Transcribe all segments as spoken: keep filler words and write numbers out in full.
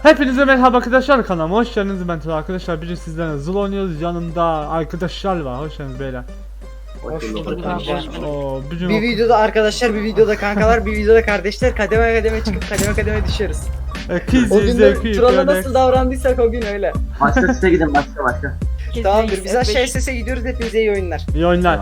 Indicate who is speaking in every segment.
Speaker 1: Hepinize merhaba arkadaşlar, kanalıma hoş geldiniz. Ben Tuna arkadaşlar. Bugün sizlerle Zul oynuyoruz. Yanımda arkadaşlar var. Hoş geldiniz beyler.
Speaker 2: Hoş bulduk.
Speaker 1: Oo, bugün
Speaker 3: Bir videoda arkadaşlar, bir videoda kankalar, bir videoda kardeşler, kademe kademe çıkıp kademe kademe düşüyoruz.
Speaker 1: Kiz
Speaker 3: O gün
Speaker 1: zevki
Speaker 3: de Tural'a
Speaker 1: böyle.
Speaker 3: nasıl davrandıysak o gün öyle.
Speaker 2: Başka site gidin başka başka.
Speaker 3: Tamamdır, biz aşağı S S'e gidiyoruz, hepinize iyi oyunlar.
Speaker 1: İyi oyunlar.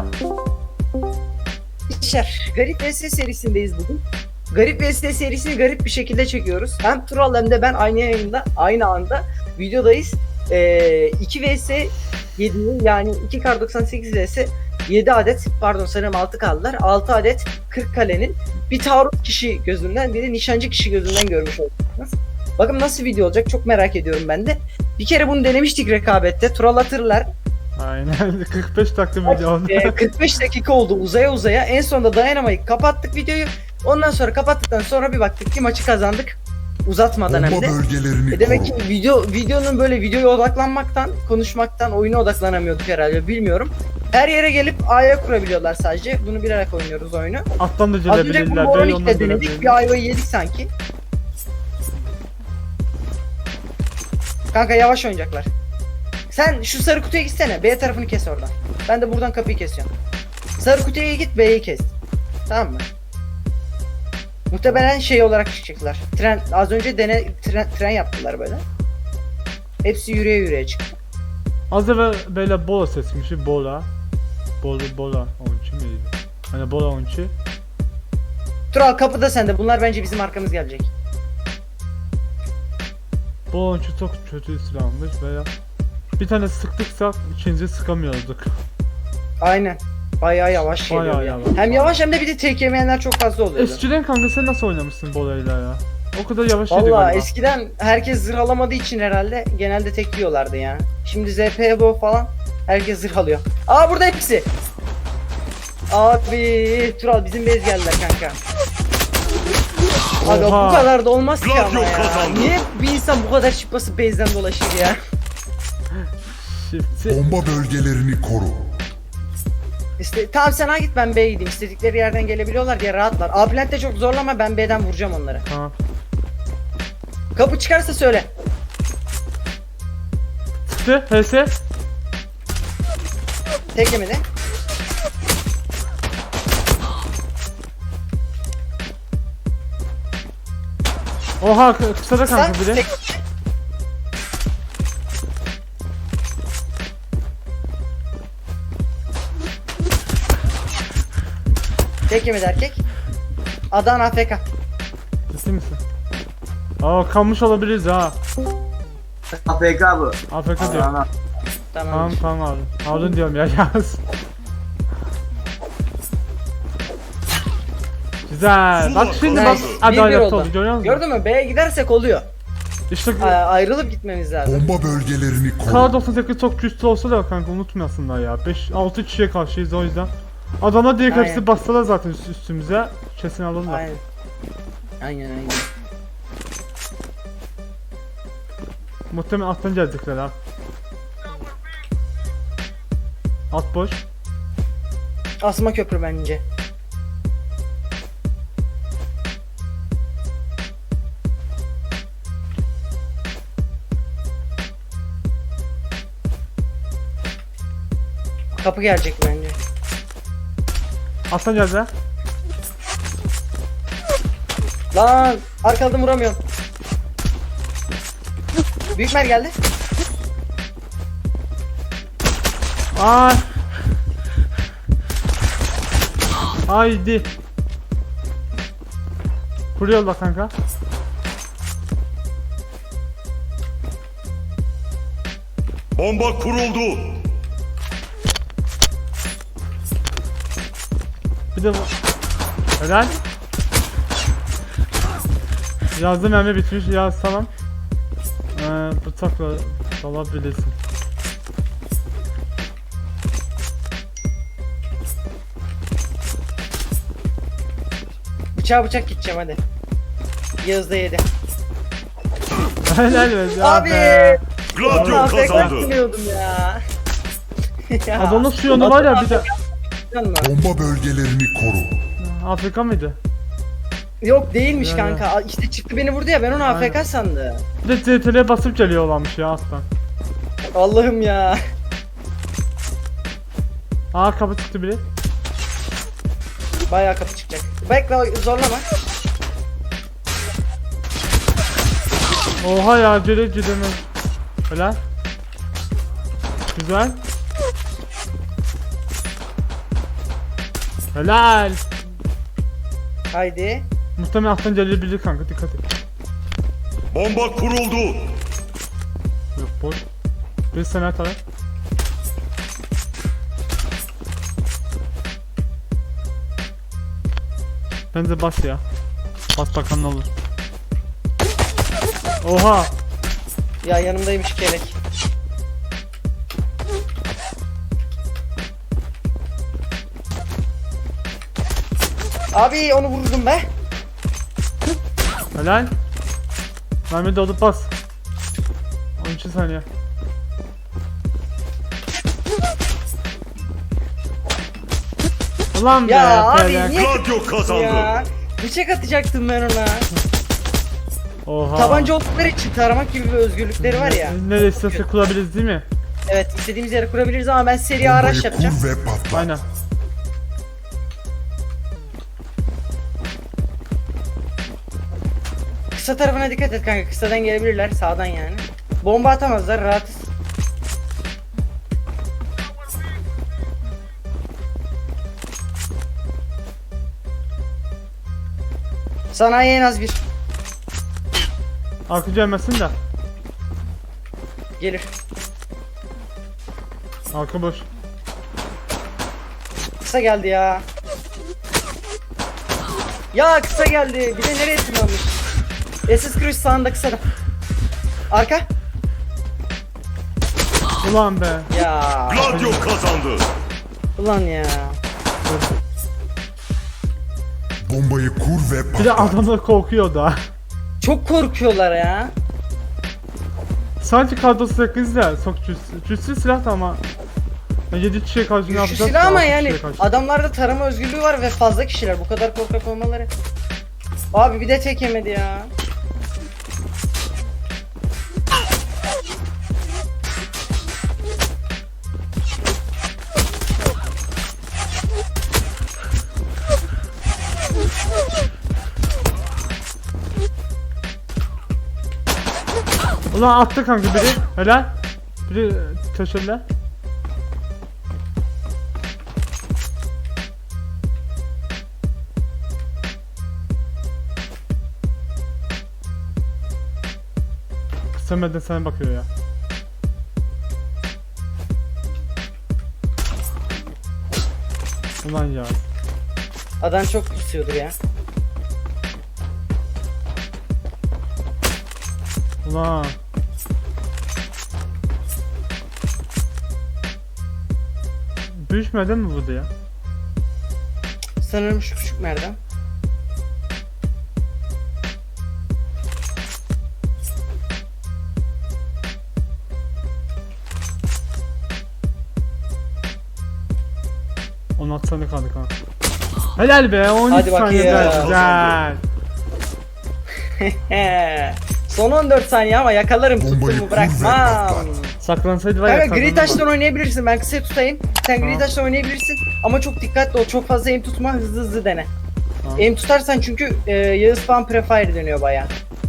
Speaker 3: İşler, Garip V S serisindeyiz bugün. Garip V S serisini garip bir şekilde çekiyoruz. Hem Tural hem de ben aynı yayında, aynı anda videodayız. Ee, iki V S yedi, yani iki kar doksan sekiz V S yedi adet, pardon sanırım altı kaldılar. altı adet kırk kalenin bir taarruz kişi gözünden, bir de nişancı kişi gözünden görmüş oldunuz. Bakın nasıl video olacak, çok merak ediyorum ben de. Bir kere bunu denemiştik rekabette. Tural hatırlar.
Speaker 1: Aynen. kırk beş dakika video oldu.
Speaker 3: Ee, kırk beş dakika oldu uzaya uzaya. En sonunda dayanamayıp kapattık videoyu. Ondan sonra kapattıktan sonra bir baktık ki maçı kazandık. Uzatmadan hem
Speaker 4: Bomba
Speaker 3: de.
Speaker 4: bölgelerini
Speaker 3: E demek ki
Speaker 4: koru.
Speaker 3: video videonun böyle videoya odaklanmaktan, konuşmaktan, oyuna odaklanamıyorduk herhalde, bilmiyorum. Her yere gelip A'ya kurabiliyorlar sadece. Bunu bilerek oynuyoruz oyunu.
Speaker 1: Alttan da
Speaker 3: Az önce
Speaker 1: gelebilirler.
Speaker 3: Combo
Speaker 1: Böyle
Speaker 3: on ikide
Speaker 1: ondan
Speaker 3: denedik.
Speaker 1: gelebilirler.
Speaker 3: Bir ayvayı yedik sanki. Kanka yavaş oynayacaklar. Sen şu sarı kutuya gitsene. B tarafını kes oradan. Ben de buradan kapıyı kesiyorum. Sarı kutuya git, B'yi kes. Tamam mı? Muhtemelen şey olarak çıkacaklar. Tren, az önce dene tren, tren yaptılar böyle. Hepsi yürüye yürüye çıktı.
Speaker 1: Az evvel böyle bola sesmişi. Bola. Bola bola. Onçu muydu? Hani bola onçu.
Speaker 3: Tural kapıda sende. Bunlar bence bizim arkamız gelecek.
Speaker 1: Bola onçu çok kötü silahmış veya. Bir tane sıktıksa ikinci sıkamıyorduk.
Speaker 3: Aynen. Bayağı yavaş
Speaker 1: Bayağı
Speaker 3: geliyor.
Speaker 1: yavaş.
Speaker 3: Yani. Hem yavaş hem de bir de tek yemeyenler çok fazla oluyordu.
Speaker 1: Eskiden kanka sen nasıl oynamışsın bolayla ya? O kadar yavaş yedi
Speaker 3: Valla
Speaker 1: galiba.
Speaker 3: eskiden herkes zırh alamadığı için herhalde genelde tek yiyorlardı ya. Şimdi Z P bu falan herkes zırh alıyor. Aa burada hepsi. Abi Tural bizim bez geldiler kanka. Abi
Speaker 1: Oha.
Speaker 3: bu kadar da olmaz ki ama
Speaker 5: Gladio
Speaker 3: ya.
Speaker 5: kazandı.
Speaker 3: Niye bir insan bu kadar çıkması bezden dolaşır ya?
Speaker 1: Shift.
Speaker 4: Bomba bölgelerini koru.
Speaker 3: İşte tamam sen ha git, ben B'ye gideyim. İstedikleri yerden gelebiliyorlar diye rahatlar. A plant'te çok zorlama, ben B'den vuracağım onları.
Speaker 1: Tamam.
Speaker 3: Kapı çıkarsa söyle.
Speaker 1: Çıktı. H S.
Speaker 3: Tek yemedi.
Speaker 1: Oha kı- kısa da
Speaker 3: Sen
Speaker 1: kanka biri.
Speaker 3: tek... Tek yemedi erkek. Adana A F K.
Speaker 1: Ciddi misin? Aa kalmış olabiliriz ha.
Speaker 2: A F K bu.
Speaker 1: A F K diyor.
Speaker 2: Ana.
Speaker 3: Tamam.
Speaker 1: Tamam tamam abi. Aldın diyorum ya yaz. Güzel. Bak şimdi bak.
Speaker 3: Nice.
Speaker 1: Hadi
Speaker 3: Bir bir
Speaker 1: adalet
Speaker 3: oldu.
Speaker 1: oldu. Görüyor musun?
Speaker 3: Gördün mü? B'ye gidersek oluyor.
Speaker 1: İşte
Speaker 3: A- ayrılıp gitmemiz lazım.
Speaker 4: Bomba bölgelerini
Speaker 1: K
Speaker 4: koru.
Speaker 1: doksan sekiz çok güçlü olsa da kanka unutmayasınlar ya. beş altı kişiye karşıyız o yüzden. Adamlar direkt
Speaker 3: Aynen.
Speaker 1: hepsi bassalar zaten üst- üstümüze. Kesin alırlar.
Speaker 3: Aynen. Aynen aynen.
Speaker 1: Muhtemelen alttan gelecekler ha. Alt boş.
Speaker 3: Asma köprü bence. Kapı gelecek bence.
Speaker 1: Alttan geldi ha.
Speaker 3: Lan arkadan vuramıyorum. Büyükmer geldi.
Speaker 1: Ay. Haydi. Kuruyorlar kanka.
Speaker 5: Bomba kuruldu.
Speaker 1: Bir de bu. Helal. Yazdım mermi bitmiş. Yaz tamam. Ee, bıçakla dalabilirsin.
Speaker 3: Bıçağa bıçak gideceğim hadi. Yağız da yedi.
Speaker 1: Helal be.
Speaker 3: Abi.
Speaker 5: Gladio
Speaker 3: A F K
Speaker 5: kazandı.
Speaker 3: biliyordum ya. Ya,
Speaker 1: Adamın su yonu var ya bir de.
Speaker 3: Canım.
Speaker 4: Bomba bölgelerini koru.
Speaker 1: Afrika mıydı?
Speaker 3: Yok değilmiş
Speaker 1: Ya,
Speaker 3: kanka. Aa, İşte çıktı beni vurdu ya ben onu A F K
Speaker 1: Aynen.
Speaker 3: sandım.
Speaker 1: Bir de C T R'ye basıp geliyor olanmış ya aslan.
Speaker 3: Allah'ım ya.
Speaker 1: Aa kapı çıktı biri.
Speaker 3: Bayağı kapı çıkacak. Bekle zorlama.
Speaker 1: Oha ya geri gidemem. Helal. Güzel. Helal.
Speaker 3: Haydi.
Speaker 1: Muhtemelen alttan gelebilir kanka dikkat et.
Speaker 5: Bomba kuruldu.
Speaker 1: Yok boş. Bir sene taraf. Bence bas ya. Bas bakalım ne olur. Oha.
Speaker 3: Ya yanımdaymış kelek. Abi onu vurdum be.
Speaker 1: Helal. Mermi dolup bas. on iki saniye. Ulan be.
Speaker 3: Ya abi
Speaker 1: felak.
Speaker 3: niye
Speaker 5: Gladio kazandı.
Speaker 3: ya? Bıçak atacaktım ben ona.
Speaker 1: Oha.
Speaker 3: Tabanca oldukları için taramak gibi bir özgürlükleri var ya.
Speaker 1: Ne, nereye isterse kurabiliriz değil mi?
Speaker 3: Evet istediğimiz yere kurabiliriz ama ben seri araç
Speaker 4: Bombayı
Speaker 3: yapacağım.
Speaker 4: kur ve patlat.
Speaker 1: Aynen.
Speaker 3: Kısa tarafına dikkat et kanka. Kısadan gelebilirler sağdan yani. Bomba atamazlar rahatız. Sanayi en az bir.
Speaker 1: Arka gelmesin de.
Speaker 3: Gelir.
Speaker 1: Arka boş.
Speaker 3: Kısa geldi ya. Ya kısa geldi. Bir de nereye tırmanmış? S S Cruise sağında kısa da. Arka.
Speaker 1: Ulan be.
Speaker 3: Ya.
Speaker 5: Gladio kazandı.
Speaker 3: Ulan ya.
Speaker 4: Bombayı kur ve
Speaker 1: Bir de
Speaker 4: patlat.
Speaker 1: adamlar korkuyor da.
Speaker 3: Çok korkuyorlar ya.
Speaker 1: Sanki kadrosu sekiz de çok güçsüz. Güçsüz silah da ama. yedi kişiye karşı ne
Speaker 3: Güçlü
Speaker 1: yapacağız?
Speaker 3: silah ama
Speaker 1: altı
Speaker 3: yani
Speaker 1: kişiye karşı.
Speaker 3: adamlarda tarama özgürlüğü var ve fazla kişiler. Bu kadar korkak olmaları. Abi bir de tek yemedi ya.
Speaker 1: Ulan attı kanka biri. Helal. Biri köşede. Kısameden sana bakıyor ya. Ulan ya.
Speaker 3: Adam çok istiyordur ya.
Speaker 1: Ulan. Düşmeden mi vurdu ya?
Speaker 3: Sanırım şu küçük merdan.
Speaker 1: on altı saniye kaldı kanka. Helal be on üç
Speaker 3: Hadi bakayım.
Speaker 1: saniye güzel.
Speaker 3: He. Son on dört saniye ama yakalarım
Speaker 4: Bombayı
Speaker 3: tuttuğumu
Speaker 4: kur ve
Speaker 3: bırakmam.
Speaker 4: patlat.
Speaker 1: Saklansaydı var ya.
Speaker 3: Kanka gri
Speaker 1: kazanırdı.
Speaker 3: taştan oynayabilirsin. Ben kısa tutayım. Sen gri
Speaker 1: Tamam.
Speaker 3: taştan oynayabilirsin. Ama çok dikkatli ol. Çok fazla aim tutma. Hızlı hızlı dene.
Speaker 1: Tamam.
Speaker 3: Aim tutarsan çünkü e, Yağız falan prefire dönüyor baya.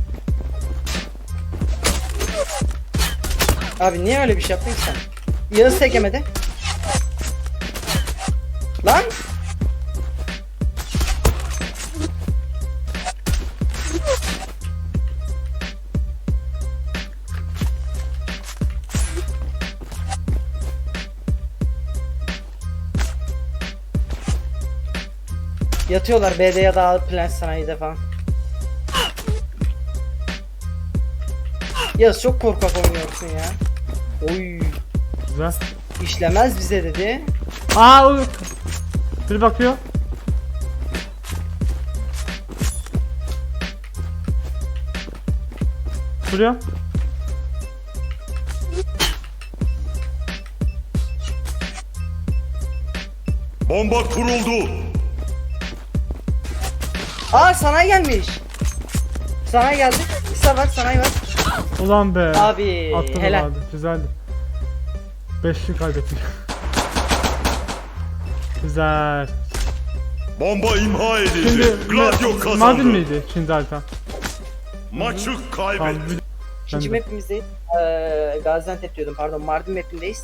Speaker 3: Abi niye öyle bir şey yaptın ki sen? Yağız tek yemedi. Lan! Yatıyorlar B'de ya da Plant Sanayi'de falan. Yağız çok korkak oynuyorsun ya. Oy.
Speaker 1: Güzel.
Speaker 3: İşlemez bize dedi.
Speaker 1: Aa o. Biri bakıyor. Vuruyor.
Speaker 5: Bomba kuruldu.
Speaker 3: Aa sana gelmiş. Sana geldi. Kısa var sana var.
Speaker 1: Ulan be.
Speaker 3: Abi
Speaker 1: Attım
Speaker 3: helal.
Speaker 1: vardı. Güzeldi. Beşli kaybettik. Güzel.
Speaker 5: Bomba imha edildi.
Speaker 1: Şimdi
Speaker 5: Gladio
Speaker 1: Ma-
Speaker 5: kazandı.
Speaker 1: Mardin miydi? Şimdi harita.
Speaker 5: Maçı
Speaker 1: Tamam.
Speaker 5: kaybetti.
Speaker 1: bir-
Speaker 3: İkinci
Speaker 1: Ben de.
Speaker 3: mapimizdeyiz. Ee, Gaziantep diyordum pardon. Mardin mapindeyiz.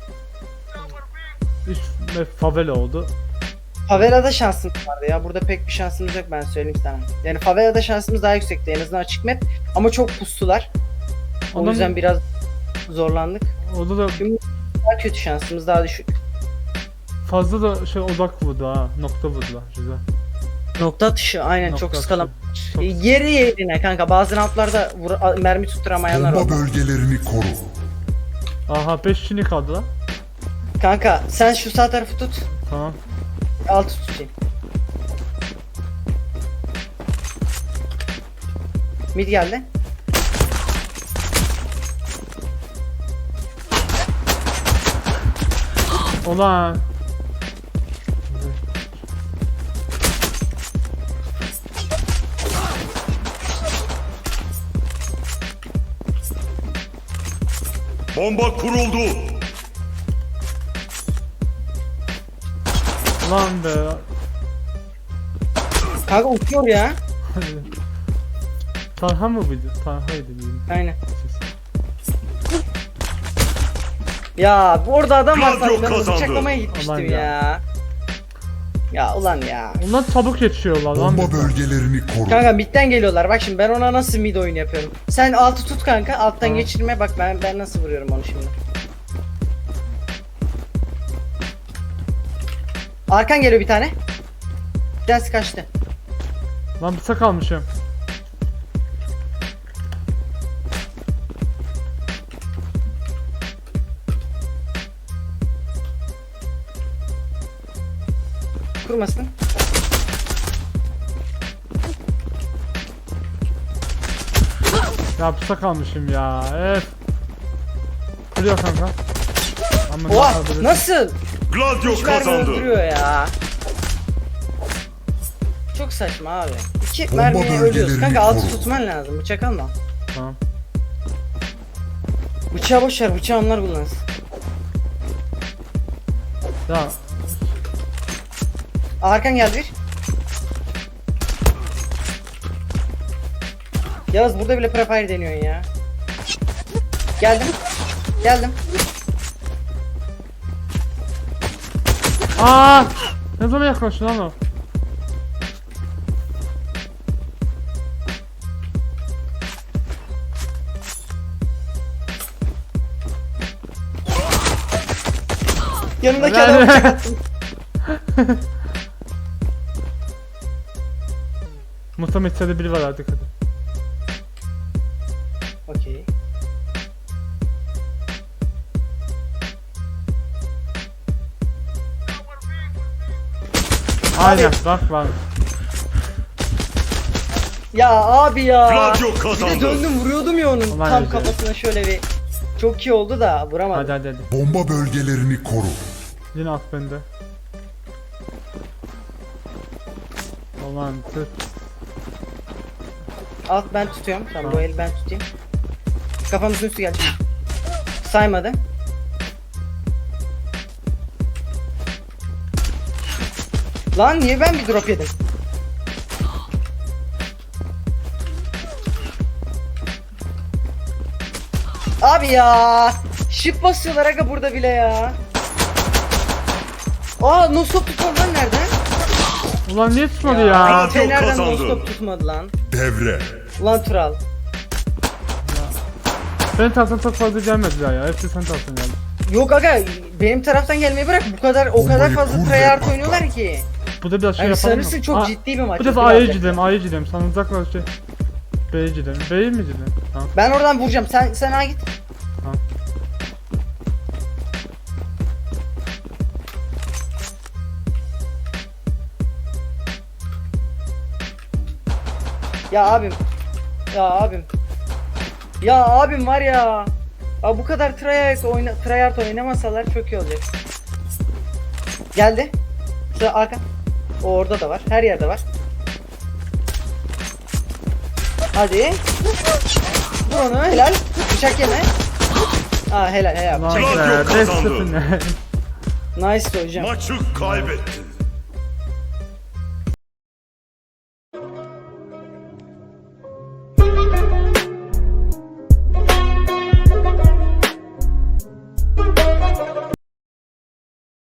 Speaker 1: Üç map favela oldu.
Speaker 3: Favela'da şansımız vardı ya. Burada pek bir şansımız yok ben söyleyeyim sana. Yani Favela'da şansımız daha yüksekti. En azından açık map. Ama çok pustular. O
Speaker 1: Ondan-
Speaker 3: yüzden biraz zorlandık.
Speaker 1: Orada da
Speaker 3: Daha kötü şansımız daha düşük.
Speaker 1: fazla da şey odak vurdu ha. Nokta vurdular. Güzel.
Speaker 3: Nokta atışı aynen
Speaker 1: Nokta
Speaker 3: çok
Speaker 1: atışı.
Speaker 3: ıskalam.
Speaker 1: Çok-
Speaker 3: Yeri yerine kanka bazı roundlarda vur- a- mermi tutturamayanlar var.
Speaker 4: Bomba bölgelerini koru.
Speaker 1: Aha beş kişi kaldı lan.
Speaker 3: Kanka sen şu sağ tarafı tut.
Speaker 1: Tamam.
Speaker 3: Altı tutayım. Mid geldi.
Speaker 1: Ulan.
Speaker 5: Bomba kuruldu.
Speaker 1: Ulan be.
Speaker 3: Kanka uçuyor ya.
Speaker 1: Tarha mı buydu? Tarhaydı bizim.
Speaker 3: Aynen. Ya bu orada adam var
Speaker 5: Gladio
Speaker 3: sandım. Ben onu
Speaker 5: kazandı.
Speaker 3: bıçaklamaya gitmiştim
Speaker 1: Ulan
Speaker 3: ya.
Speaker 1: ya.
Speaker 3: ya. ulan ya.
Speaker 1: Onlar çabuk yetişiyorlar lan.
Speaker 4: Bomba bölgelerini koru.
Speaker 3: Kanka midden geliyorlar. Bak şimdi ben ona nasıl mid oyunu yapıyorum. Sen altı tut kanka. Alttan
Speaker 1: Tamam.
Speaker 3: geçirme. Bak ben ben nasıl vuruyorum onu şimdi. Arkan geliyor bir tane. Bir tanesi kaçtı.
Speaker 1: Lan bıçak almışım.
Speaker 3: Kurmasın.
Speaker 1: Ya bıçak almışım ya. Evet. Kuruyor kanka. Ama ne
Speaker 3: Oha
Speaker 1: yapabilirsin?
Speaker 3: nasıl?
Speaker 5: Gladio
Speaker 3: Üç mermi
Speaker 5: kazandı.
Speaker 3: öldürüyor ya. Çok saçma abi. İki
Speaker 4: Bomba
Speaker 3: mermiye ölüyoruz.
Speaker 4: bölgelerini
Speaker 3: Kanka altı
Speaker 4: koru.
Speaker 3: tutman lazım. Bıçak alma.
Speaker 1: Tamam.
Speaker 3: Bıçağı boş ver. Bıçağı onlar kullansın.
Speaker 1: Ya
Speaker 3: Arkan geldi bir. Yağız burada bile prefire deniyorsun ya. Geldim. Geldim.
Speaker 1: aa! Ne zaman yaklaştın lan o?
Speaker 3: Yanımdaki
Speaker 1: Helal.
Speaker 3: adamı bıçak attım.
Speaker 1: Muhtemelen içeride biri var artık hadi.
Speaker 3: Okey.
Speaker 1: Aynen bak var.
Speaker 3: Ya abi ya.
Speaker 5: Gladio
Speaker 3: Bir de
Speaker 5: kazandı.
Speaker 3: döndüm vuruyordum ya onun
Speaker 1: Ulan
Speaker 3: tam
Speaker 1: öyle.
Speaker 3: kafasına şöyle bir. Çok iyi oldu da vuramadım.
Speaker 1: Hadi hadi hadi.
Speaker 4: Bomba bölgelerini koru.
Speaker 1: Yine at bende. Aman tüh.
Speaker 3: Alt ben tutuyorum. Tamam, bu
Speaker 1: Tamam.
Speaker 3: el ben tutayım. Kafamızın üstü geldi. Saymadı. Lan niye ben bir drop yedim? Abi ya. Shift basıyorlar aga burada bile ya. Aa no stop tutmadı lan nereden?
Speaker 1: Ulan niye tutmadı ya?
Speaker 5: Ya.
Speaker 3: Fener'den no
Speaker 5: kazandı.
Speaker 3: stop tutmadı lan.
Speaker 4: Devre.
Speaker 3: Ulan Tural.
Speaker 1: Senin taraftan çok fazla gelmediler ya. Hepsi sen taraftan geldi.
Speaker 3: Yok aga benim taraftan gelmeyi bırak bu kadar o kadar
Speaker 4: Bombayı
Speaker 3: fazla
Speaker 4: kur ve
Speaker 3: tryhard
Speaker 4: patlat.
Speaker 3: oynuyorlar ki.
Speaker 1: Bu da biraz şey
Speaker 3: Yani
Speaker 1: yapalım mı?
Speaker 3: sanırsın çok
Speaker 1: Aa,
Speaker 3: ciddi bir maç.
Speaker 1: Bu defa
Speaker 3: Ciddi
Speaker 1: A'ya
Speaker 3: olacak.
Speaker 1: gidelim, A'ya gidelim. Sana uzaklaş şey. B'ye gidelim. B'ye mi gidelim? Tamam.
Speaker 3: Ben oradan vuracağım. Sen sen A git.
Speaker 1: Tamam.
Speaker 3: Ya abim. Ya abim. Ya abim var ya. Ya bu kadar tryhard oyna tryhard oynamasalar çok iyi olacak. Geldi. Şu arka. O orada da var. Her yerde var. Hadi. Vur onu helal. Bıçak yeme. Aa helal helal.
Speaker 1: Lan
Speaker 3: Bıçak
Speaker 5: Gladio
Speaker 1: be, beş
Speaker 5: kazandı.
Speaker 1: sıfır ne?
Speaker 3: Nice hocam.
Speaker 5: Maçı kaybettin.